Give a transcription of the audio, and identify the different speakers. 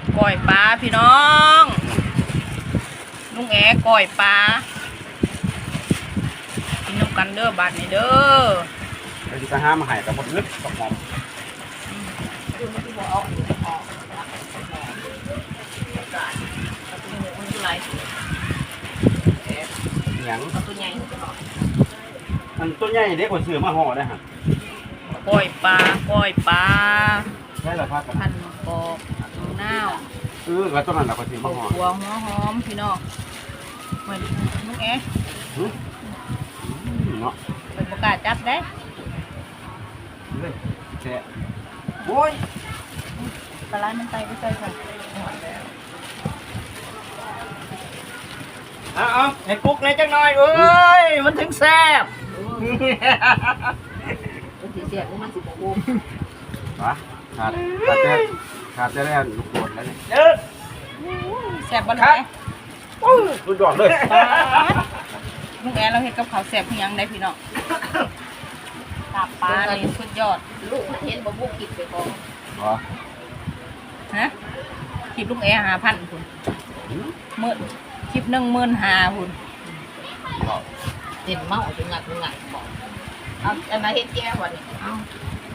Speaker 1: ก้อยปลาพี่น้องลุงแอก้อยปลากินน้ำกันเด้อบาดนี้เด้อ
Speaker 2: เราจะห้ามหายกับหมดลึกกับหอม
Speaker 3: คือมันที่บอกเอาอยู่ออกมันคืออะไร
Speaker 2: หยัง
Speaker 3: เอาตัวใหญ่
Speaker 2: มันตัวใหญ่เด็กกว่าเสือมาห่อได้ฮะ
Speaker 1: ก้อยปลาก้อยปลา
Speaker 2: ใช่หรอพักกัน
Speaker 1: พันกอกนาว
Speaker 2: แล้วตัวนั้นเราก็ถือ
Speaker 1: ข้า
Speaker 2: มาห่อ
Speaker 1: หัวหัวหอมพี่น้องเหมือนลุงแอ
Speaker 2: เนาะ
Speaker 1: เป็นประกาศจับได้
Speaker 2: เลยแช่โอ้ย
Speaker 1: ปลาไหลมันไตไปใส่ค่ะ
Speaker 2: เอาให้กุ๊กในจังหน่อยเอ้ยมันถึงแซ่บ
Speaker 3: มันสีเสียบมันสีโค้ง
Speaker 2: วะขาดจะได้ลูกโดดแล้วนี่
Speaker 1: แซ่บบ่ลุงแอ
Speaker 2: สุดยอดเลย
Speaker 1: ปลาลุงแอเราเห็ดกับข้าวแซ่บเพียงได้พี่น้องตาปลานี่สุดยอด
Speaker 3: ลูกเห็นบ่บุกกินไปก่อน
Speaker 2: เหรอ
Speaker 1: ฮะคลิปลุงแอ5,000คุณมื้อคลิป15,000คุณ
Speaker 3: เห็นเมาจะงัดบอกเอาอันนั้นเห็ดแก้ววันนี้เอา